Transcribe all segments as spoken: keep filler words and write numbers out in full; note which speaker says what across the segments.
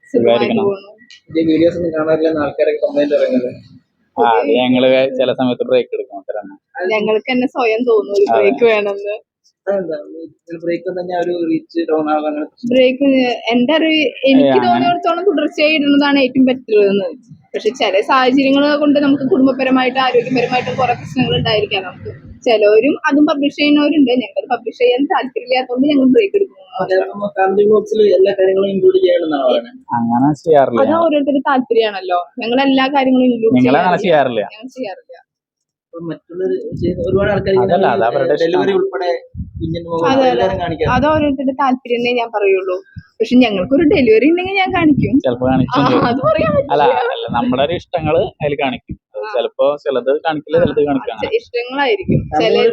Speaker 1: സുഖമായിരിക്കണം.
Speaker 2: Videos ഒന്നും കാണാറില്ലെന്ന് ആൾക്കാരൊക്കെ comment പറയുന്നത്.
Speaker 1: ആ അത് ഞങ്ങള് ചില സമയത്ത് ബ്രേക്ക് എടുക്കും. അത്ര
Speaker 3: ഞങ്ങൾക്ക് തന്നെ സ്വയം തോന്നും ഒരു ബ്രേക്ക് വേണമെന്ന്.
Speaker 2: ബ്രേക്ക് തന്നെ ഒരു റീച്ച് ഡൗൺ ആകാൻ
Speaker 3: ബ്രേക്ക് എന്റെ അറിവ് എനിക്ക് തോന്നിയിടത്തോളം തുടർച്ചയായി ഇടുന്നതാണ് ഏറ്റവും പറ്റുള്ളതെന്ന്. പക്ഷെ ചില സാഹചര്യങ്ങൾ കൊണ്ട് നമുക്ക് കുടുംബപരമായിട്ട് ആരോഗ്യപരമായിട്ടും കുറെ പ്രശ്നങ്ങൾ ഉണ്ടായിരിക്കാം. നമുക്ക് ചിലവരും അതും പബ്ലിഷ് ചെയ്യുന്നവരുണ്ട്. ഞങ്ങൾ പബ്ലിഷ് ചെയ്യാൻ താല്പര്യമില്ലാത്തതുകൊണ്ട് ഞങ്ങൾ ബ്രേക്ക് എടുക്കുന്നു.
Speaker 2: എല്ലാ കാര്യങ്ങളും ഇൻക്ലൂഡ് ചെയ്യണമെന്നാണ്.
Speaker 1: അങ്ങനെ ചെയ്യാറില്ല.
Speaker 3: അത് ഓരോരുത്തരുടെ താല്പര്യമാണല്ലോ. ഞങ്ങൾ എല്ലാ കാര്യങ്ങളും ഇൻക്ലൂഡ്
Speaker 1: ചെയ്യാറില്ല.
Speaker 3: ഞങ്ങൾ ചെയ്യാറില്ല.
Speaker 2: മറ്റുള്ളവർ ഒരുപാട് ആൾക്കാർ ഡെലിവറി ഉൾപ്പെടെ
Speaker 3: അത് ഓരോരുത്തരുടെ താല്പര്യം ഞാൻ പറയുള്ളൂ. പക്ഷെ ഞങ്ങൾക്കൊരു ഡെലിവറി ഉണ്ടെങ്കിൽ ഞാൻ കാണിക്കും.
Speaker 1: ചിലപ്പോ അല്ല അല്ല നമ്മുടെ ഒരു ഇഷ്ടങ്ങള് അതിൽ കാണിക്കും. ചിലപ്പോ ചിലത് കാണിക്കില്ല, ചിലത് കാണിക്കാം.
Speaker 3: ഇഷ്ടങ്ങളായിരിക്കും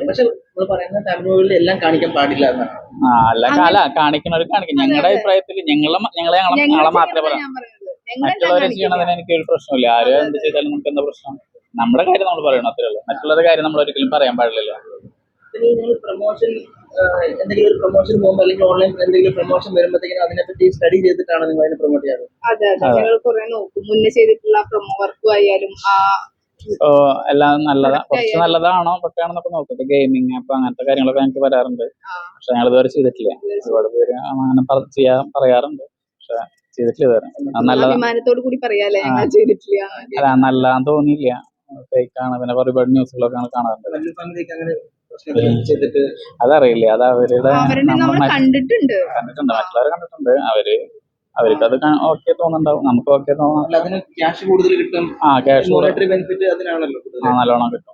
Speaker 2: എല്ലാം കാണിക്കാൻ പാടില്ല എന്നാണ്.
Speaker 1: ആ അല്ല അല്ല കാണിക്കുന്നവർ കാണിക്കും. ഞങ്ങളുടെ അഭിപ്രായത്തിൽ ഞങ്ങളെ ഞങ്ങളെ ഞങ്ങളെ മാത്രമേ പറയാം. മറ്റുള്ളവരെ ചെയ്യണതിന് എനിക്ക് ഒരു പ്രശ്നമില്ല. ആരും എന്ത് ചെയ്താലും നമുക്ക് എന്താ പ്രശ്നം? നമ്മുടെ കാര്യം നമ്മൾ പറയണം, അത്രേ ഉള്ളൂ. മറ്റുള്ളവരുടെ കാര്യം നമ്മൾ ഒരിക്കലും പറയാൻ പാടില്ലല്ലോ.
Speaker 2: പ്രൊമോഷൻ എന്തെങ്കിലും ഒരു പ്രൊമോഷൻ പോകുമ്പോൾ അല്ലെങ്കിൽ ഓൺലൈൻ എന്തെങ്കിലും പ്രൊമോഷൻ വരുമ്പോഴത്തേക്കും അതിനെപ്പറ്റി സ്റ്റഡി ചെയ്തിട്ടാണ് നിങ്ങൾ അതിനെ പ്രൊമോട്ട് ചെയ്യാറ്?
Speaker 3: അതെ അതെ, ഞങ്ങൾ കുറെ നോക്കും. മുന്നേ ചെയ്തിട്ടുള്ള പ്രൊമോ വർക്കും ആയാലും
Speaker 1: എല്ലാം നല്ലതാ, കുറച്ച് നല്ലതാണോ പൊട്ടയാണെന്നൊക്കെ നോക്കും. ഗെയിമിങ് അപ്പൊ അങ്ങനത്തെ കാര്യങ്ങളൊക്കെ ഞങ്ങൾക്ക് വരാറുണ്ട്. പക്ഷെ ഞങ്ങൾ ഇതുവരെ ചെയ്തിട്ടില്ല. ഒരുപാട് പേര് അങ്ങനെ ചെയ്യാൻ പറയാറുണ്ട്, പക്ഷെ ചെയ്തിട്ടില്ല ഇതുവരെ.
Speaker 3: അഭിമാനത്തോടു കൂടി പറയാല്ലേ ഞങ്ങൾ ചെയ്തിട്ടില്ല.
Speaker 1: അല്ല നല്ലതാന്ന് തോന്നിയില്ല, ഫേക്കാണ്. പിന്നെ ഒരുപാട് ന്യൂസുകളൊക്കെ കാണാറുണ്ട്. അതറിയില്ല, അത് അവരുടെ
Speaker 3: കണ്ടിട്ടുണ്ട്
Speaker 1: കണ്ടിട്ടുണ്ട് മറ്റുള്ളവർ കണ്ടിട്ടുണ്ട്. അവര് അവർക്ക് അത് ഓക്കെ തോന്നുന്നുണ്ടാവും, നമുക്ക് ഓക്കെ തോന്നുന്നു.
Speaker 2: ക്യാഷ് കൂടുതൽ കിട്ടും.
Speaker 1: ആ ക്യാഷ്
Speaker 2: അതിനാണല്ലോ
Speaker 1: നല്ലോണം കിട്ടും.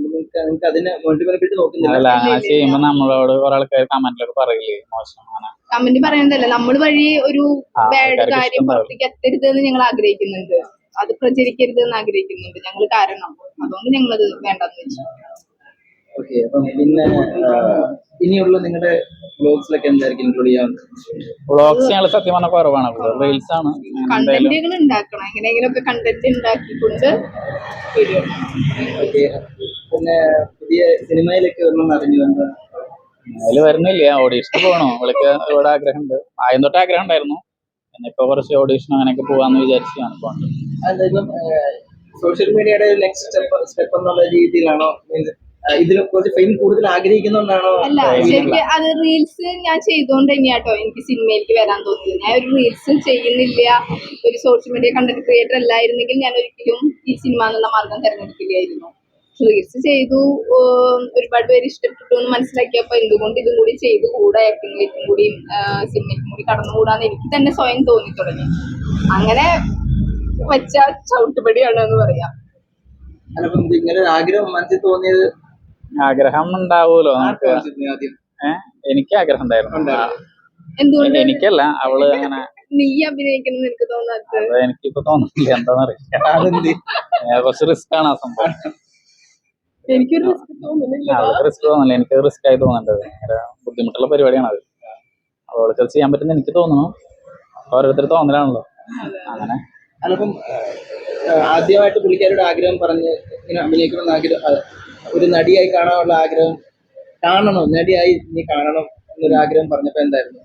Speaker 2: അല്ല
Speaker 1: അങ്ങനെ ചെയ്യുമ്പോ നമ്മളോട് കുറെ ആൾക്കാർ കമന്റിലൊക്കെ പറയില്ലേ മോശമാണ്.
Speaker 3: കമന്റ് പറയുന്നതല്ല, നമ്മൾ വഴി ഒരു ബാഡ് കാര്യം പുറത്തേക്ക് എത്തരുത് എന്ന് ഞങ്ങൾ ആഗ്രഹിക്കുന്നുണ്ട്. അത് പ്രചരിക്കരുത് എന്ന് ആഗ്രഹിക്കുന്നുണ്ട് ഞങ്ങൾ. കാരണം അതുകൊണ്ട് ഞങ്ങളത് വേണ്ടെന്ന് വെച്ചു.
Speaker 2: ഓക്കെ, അപ്പം പിന്നെ ഇനിയുള്ള നിങ്ങളുടെ വ്ലോഗ്സിലൊക്കെ എന്തായിരിക്കും ഇൻക്ലൂഡ് ചെയ്യാൻ?
Speaker 1: വ്ലോഗ്സ് ഞങ്ങൾ സത്യം പറഞ്ഞ കുറവാണ്, റീൽസ് ആണ്.
Speaker 3: കണ്ടന്റുകൾ ഉണ്ടാക്കണം, എങ്ങനെയെങ്കിലും ഒക്കെ കണ്ടന്റ് ഉണ്ടാക്കിക്കൊണ്ട് വരും.
Speaker 2: ഓക്കെ, പിന്നെ പുതിയ സിനിമയിലൊക്കെ ഒന്നും അറിഞ്ഞു എന്താ?
Speaker 1: അതിൽ വരുന്നില്ല. ഓഡീഷന് പോകണോ അവൾക്ക് ഒരുപാട് ആഗ്രഹമുണ്ട്. ആദ്യം തൊട്ട് ആഗ്രഹം ഉണ്ടായിരുന്നു. പിന്നെ ഇപ്പൊ കുറച്ച് ഓഡീഷൻ അങ്ങനെയൊക്കെ പോവാന്ന് വിചാരിച്ചാണ് പോകുന്നത്.
Speaker 2: സോഷ്യൽ മീഡിയയുടെ നെക്സ്റ്റ് സ്റ്റെപ്പ് സ്റ്റെപ്പ് എന്നുള്ള രീതിയിലാണോ? ഇതിൽ കുറച്ച് ഫെയിം കൂടുതൽ ആഗ്രഹിക്കുന്നുണ്ടാണോ?
Speaker 3: അല്ല, ശരിക്കും അത് റീൽസ് ഞാൻ ചെയ്തോണ്ട് തന്നെയാട്ടോ എനിക്ക് സിനിമയിലേക്ക് വരാൻ തോന്നിയത്. ഞാൻ ഒരു റീൽസ് ചെയ്യുന്നില്ല, ഒരു സോഷ്യൽ മീഡിയ കണ്ടന്റ് ക്രിയേറ്റർ അല്ലായിരുന്നെങ്കിൽ ഞാൻ ഒരിക്കലും ഈ സിനിമ എന്നുള്ള മാർഗം തിരഞ്ഞെടുക്കില്ലായിരുന്നു. റീൽസ് ചെയ്തു, ഒരുപാട് പേര് ഇഷ്ടപ്പെട്ടു എന്ന് മനസ്സിലാക്കിയപ്പോ എന്തുകൊണ്ട് ഇതും കൂടി ചെയ്തു കൂടെ, ആക്ടിങ്ങിലേക്കും കൂടി സിനിമയ്ക്കും കൂടി കടന്നുകൂടാന്ന് എനിക്ക് തന്നെ സ്വയം തോന്നി തുടങ്ങി. അങ്ങനെ വെച്ച ചവിട്ടുപടിയാണ് എന്ന് പറയാം.
Speaker 2: ഇങ്ങനെ ആഗ്രഹം മനസ്സിൽ തോന്നിയത്?
Speaker 1: ആഗ്രഹം ഉണ്ടാവൂലോ നമുക്ക്. ഏഹ് എനിക്ക് ആഗ്രഹം ഉണ്ടായിരുന്നു.
Speaker 3: എന്തുകൊണ്ട്?
Speaker 1: എനിക്കല്ല, അവള് അങ്ങനെ
Speaker 3: നീ അഭിനയിക്കണം എനിക്ക് തോന്നാത്തത്.
Speaker 1: എനിക്കിപ്പോ തോന്നുന്നില്ല, എന്താന്നറിയാം. കുറച്ച് റിസ്ക് ആണ് ആ സംഭവം.
Speaker 3: എനിക്കൊരു റിസ്ക് തോന്നുന്നില്ല.
Speaker 1: അവൾക്ക് റിസ്ക് തോന്നില്ല, എനിക്ക് റിസ്ക് ആയി തോന്നുന്നുണ്ട്. ഭയങ്കര ബുദ്ധിമുട്ടുള്ള പരിപാടിയാണ് അത്. അവൾക്ക് ചെയ്യാൻ പറ്റുന്ന എനിക്ക് തോന്നുന്നു. ഓരോരുത്തർ തോന്നലാണല്ലോ അങ്ങനെ.
Speaker 2: അതിപ്പം ആദ്യമായിട്ട് പുള്ളിക്കാരുടെ ആഗ്രഹം പറഞ്ഞ് ഇങ്ങനെ അഭിനയിക്കണമെന്ന് ആഗ്രഹം, ഒരു നടിയായി കാണാനുള്ള ആഗ്രഹം, കാണണം നടിയായി നീ കാണണം എന്നൊരു ആഗ്രഹം പറഞ്ഞപ്പോ എന്തായിരുന്നു?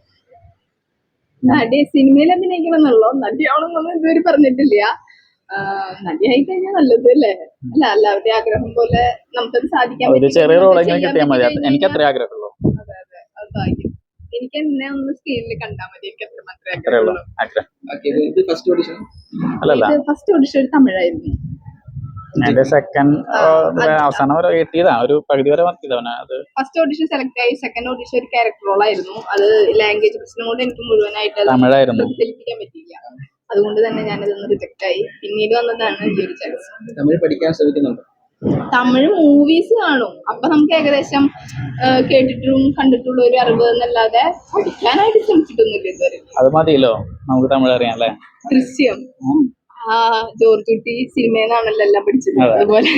Speaker 3: നടി സിനിമയിൽ അഭിനയിക്കണം എന്നുള്ളോ? നടിയാണെന്നൊന്നും ഇതുവരെ പറഞ്ഞിട്ടില്ല. നടിയായി കഴിഞ്ഞാൽ നല്ലത് അല്ലേ? അല്ല എല്ലാവരുടെ ആഗ്രഹം പോലെ നമുക്കത് സാധിക്കാൻ
Speaker 1: ഒരു ചെറിയ റോളെങ്കിലും കിട്ടിയാൽ മതി. എനിക്ക് അത്ര ആഗ്രഹമുള്ളൂ.
Speaker 3: അതെ അതെ, അത് ഭാഗ്യം. എനിക്ക് എന്നെ ഒന്ന് സ്ക്രീനിൽ കണ്ടാൽ മതി. എനിക്ക് അത്ര മാത്രമേ
Speaker 2: ആഗ്രഹമുള്ളൂ. ഫസ്റ്റ് ഓഡിഷൻ
Speaker 3: ഫസ്റ്റ് ഓഡിഷൻ തമിഴായിരുന്നു.
Speaker 1: എന്റെ സെക്കൻഡ് അവസാനം വരെ കിട്ടിയതാ, ഒരു പകുതി വരെ വന്നിയതാണ്. അത്
Speaker 3: ഫസ്റ്റ് ഓഡിഷൻ സെലക്ട് ആയി. സെക്കൻഡ് ഓഡിഷൻ ഒരു ക്യാരക്ടർ റോൾ ആയിരുന്നു. അത് ലാംഗ്വേജ് പ്രശ്നം കൊണ്ട് എനിക്ക് മുഴുവനായിട്ട് പ്രതിഫലിപ്പിക്കാൻ പറ്റിയില്ല. അതുകൊണ്ട് തന്നെ ഞാനതൊന്ന് റിജക്ട് ആയി. പിന്നീട് വന്നതാണ് ഈ ഒരു ചാൻസ്.
Speaker 2: തമിഴ് പഠിക്കാൻ ശ്രമിക്കുന്നുണ്ട്.
Speaker 3: തമിഴ് മൂവീസ് കാണും. അപ്പൊ നമുക്ക് ഏകദേശം കേട്ടിട്ടും കണ്ടിട്ടുള്ള ഒരു അറിവ് എന്നല്ലാതെ പഠിക്കാനായിട്ട് ശ്രമിച്ചിട്ടൊന്നുമില്ല ഇതുവരെ.
Speaker 1: അത് മതിയല്ലോ, നമുക്ക് തമിഴ് അറിയാം അല്ലേ?
Speaker 3: ദൃശ്യം, ആ ജോർജ് കുട്ടി സിനിമയെന്നാണല്ലോ എല്ലാം പഠിച്ചത്. അതുപോലെ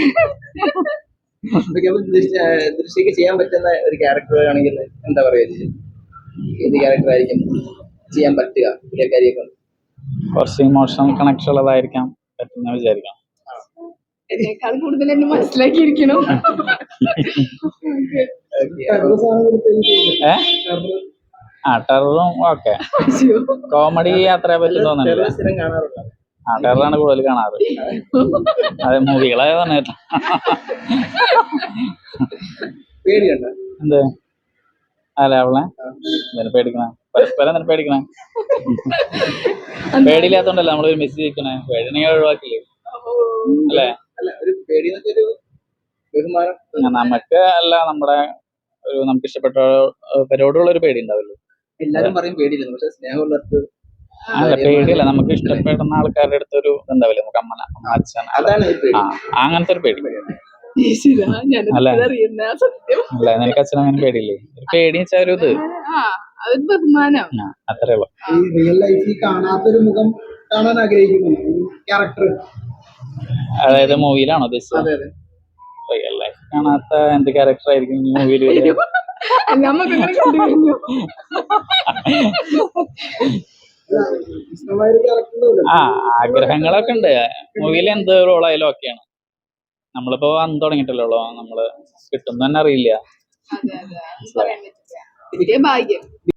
Speaker 2: ദൃശ്യക്ക് ചെയ്യാൻ പറ്റുന്ന ഒരു ക്യാരക്ടർ ആണെങ്കിൽ എന്താ പറയുക, ഏത് ക്യാരക്ടർ ആയിരിക്കും ചെയ്യാൻ പറ്റുക? പുള്ളിക്കാരിയൊക്കെ
Speaker 1: കുറച്ച് ഇമോഷണൽ കണക്ഷൻ ഉള്ളതായിരിക്കാം പറ്റുന്ന വിചാരിക്കാം.
Speaker 3: എന്നെക്കാൾ കൂടുതൽ എന്നെ മനസ്സിലാക്കിയിരിക്കണം.
Speaker 1: ആ ടെററും ഓക്കെ. കോമഡി അത്ര പറ്റും തോന്നുന്നില്ല.
Speaker 2: ടെറർ സ്ഥിരം കാണാറുണ്ടോ?
Speaker 1: ആ ടെററാണ് കൂടുതൽ കാണാറ്. അതെ മൂവികളെ പറഞ്ഞിട്ട്
Speaker 2: പേടിയുണ്ടോ?
Speaker 1: എന്ത് അല്ല അവളെ എന്തിനു പേടിക്കണേ? പരസ്പരം എന്തിനു പേടിക്കണേ? പേടിയില്ലാത്തോണ്ടല്ല നമ്മൾ ഒരു മെസ്സേജ് അയക്കണേ. പേടിനെങ്കിൽ ഒഴിവാക്കില്ലേ അല്ലേ?
Speaker 2: അല്ല ഒരു പേടി എന്നൊക്കെ ഒരു ബഹുമാനം.
Speaker 1: നമുക്ക് അല്ല നമ്മുടെ ഒരു നമുക്ക് ഇഷ്ടപ്പെട്ടവരോടുള്ള ഒരു പേടി ഉണ്ടാവല്ലോ.
Speaker 2: എല്ലാരും പറയും പേടിയില്ല, പക്ഷെ സ്നേഹമുള്ളവർക്ക്
Speaker 1: അല്ല പേടിയല്ല, നമുക്ക് ഇഷ്ടപ്പെടുന്ന ആൾക്കാരുടെ അടുത്തൊരു എന്താവില്ല, നമുക്ക് അമ്മ അമ്മ അച്ഛൻ
Speaker 2: അതാണ് ഒരു പേടി.
Speaker 1: ആ അങ്ങനത്തെ ഒരു പേടി. അല്ല അല്ല നിനക്ക് അച്ഛനും അങ്ങനെ പേടിയില്ലേ? ഒരു പേടി വെച്ചാൽ ഒരു ഇത്
Speaker 3: ബഹുമാനം
Speaker 1: ആ അത്രേ ഉള്ളു.
Speaker 4: ഈ റിയൽ ലൈഫിൽ കാണാത്തൊരു മുഖം കാണാൻ ആഗ്രഹിക്കുന്നു ക്യാരക്ടർ.
Speaker 1: അതായത് മൂവിയിലാണോ ഉദ്ദേശിച്ചത്?
Speaker 2: അതെ അതെ.
Speaker 1: റിയൽ ലൈഫ് കാണാത്ത എന്ത് ക്യാരക്ടർ ആയിരിക്കും മൂവിയിൽ?
Speaker 4: ഇഷ്ടമായൊരു ക്യാരക്ടർ.
Speaker 1: ആ ആഗ്രഹങ്ങളൊക്കെ ഉണ്ട്. മൂവിയിൽ എന്ത് റോളായാലും ഓക്കെയാണ്. നമ്മളിപ്പോ വന്ന് തുടങ്ങിയിട്ടല്ലോ, നമ്മള് കിട്ടുന്ന തന്നെ അറിയില്ല.
Speaker 3: അതെ അതെ പറയാൻ പറ്റില്ല. ഭാഗ്യം.